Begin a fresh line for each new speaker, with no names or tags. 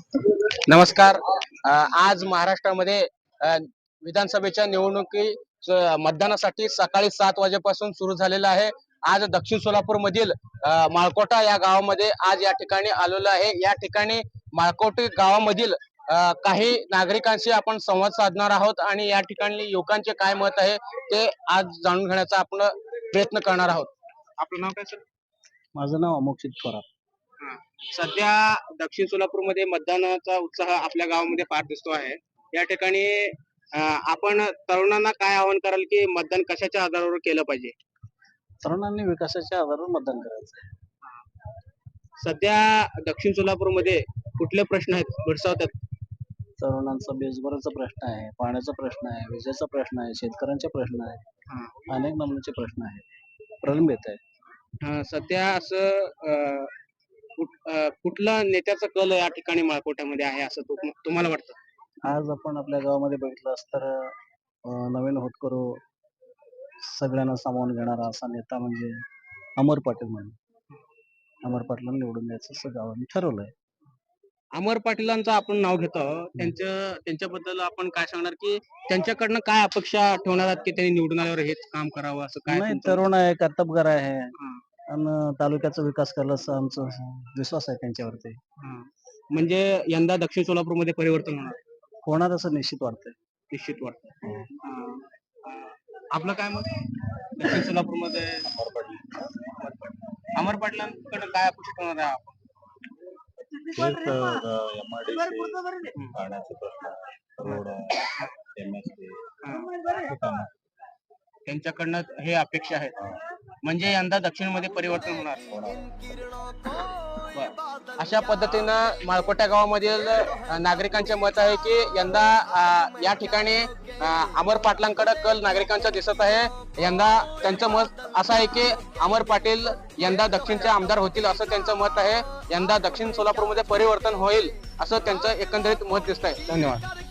नमस्कार. आज महाराष्ट्रामध्ये विधानसभेच्या निवडणुकी मतदानासाठी सकाळी 7 वाजेपासून सुरू झालेला आहे. आज दक्षिण सोलापूर मधील माळकोटा या गावामध्ये आज या ठिकाणी आलेलो आहे. या ठिकाणी माळकोटी गावामधील काही नागरिकांशी आपण संवाद साधणार आहोत आणि या ठिकाणी युवकांचे काय मत आहे ते आज जाणून घेण्याचा आपण प्रयत्न करणार आहोत. आपलं नाव काय सर?
माझं नाव अमोक्षित थोरात.
सध्या दक्षिण सोलापूरमध्ये मतदानाचा उत्साह आपल्या गावामध्ये फार दिसतो आहे. या ठिकाणी आपण तरुणांना काय आवाहन कराल की मतदान कशाच्या आधारावर केलं पाहिजे?
तरुणांनी विकासाच्या आधारावर मतदान करायचं आहे.
सध्या दक्षिण सोलापूरमध्ये कुठले प्रश्न आहेत भेडसावतात?
तरुणांचा बेरोजगारीचा प्रश्न आहे, पाण्याचा प्रश्न आहे, विजेचा प्रश्न आहे, शेतकऱ्यांचे प्रश्न आहे, अनेक नमुन्याचे प्रश्न आहेत, प्रलंबित आहे.
सध्या असं कुठला नेत्याचा कल या ठिकाणी माळकोट्यामध्ये आहे असं तुम्हाला वाटतं?
आज आपण आपल्या गावामध्ये बघितलं तर नवीन होतकरू सगळ्यांना सामावून घेणारा असा नेता म्हणजे अमर पाटील म्हणून. अमर पाटलांना निवडून द्यायचं असं गावाने ठरवलंय.
अमर पाटीलांचं आपण नाव घेतो. त्यांच्याबद्दल आपण काय सांगणार की त्यांच्याकडनं काय अपेक्षा ठेवणार आहात की त्यांनी निवडून आल्यावर हेच काम करावं असं काय?
नाही, तरुण आहे, कर्तबगार आहे आणि तालुक्याचा विकास करायला असं आमचा विश्वास आहे त्यांच्यावरती.
म्हणजे यंदा दक्षिण सोलापूरमध्ये परिवर्तन
होणार असं निश्चित वाटतंय.
निश्चित वाटतं. आपलं काय मत? दक्षिण सोलापूरमध्ये अमर पाटलांकडे काय अपेक्षा ठेवणार आहे आपण?
पाण्याचा प्रश्न, रोड, MSD,
त्यांच्याकडनं हे अपेक्षा आहेत. म्हणजे यंदा दक्षिण मध्ये परिवर्तन होणार. अशा पद्धतीनं माळकोटा गावामधील नागरिकांचे मत आहे की यंदा या ठिकाणी अमर पाटलांकडे कल नागरिकांचा दिसत आहे. यंदा त्यांचं मत असं आहे की अमर पाटील यंदा दक्षिणचे आमदार होतील असं त्यांचं मत आहे. यंदा दक्षिण सोलापूरमध्ये परिवर्तन होईल असं त्यांचं एकंदरीत मत दिसत आहे. धन्यवाद.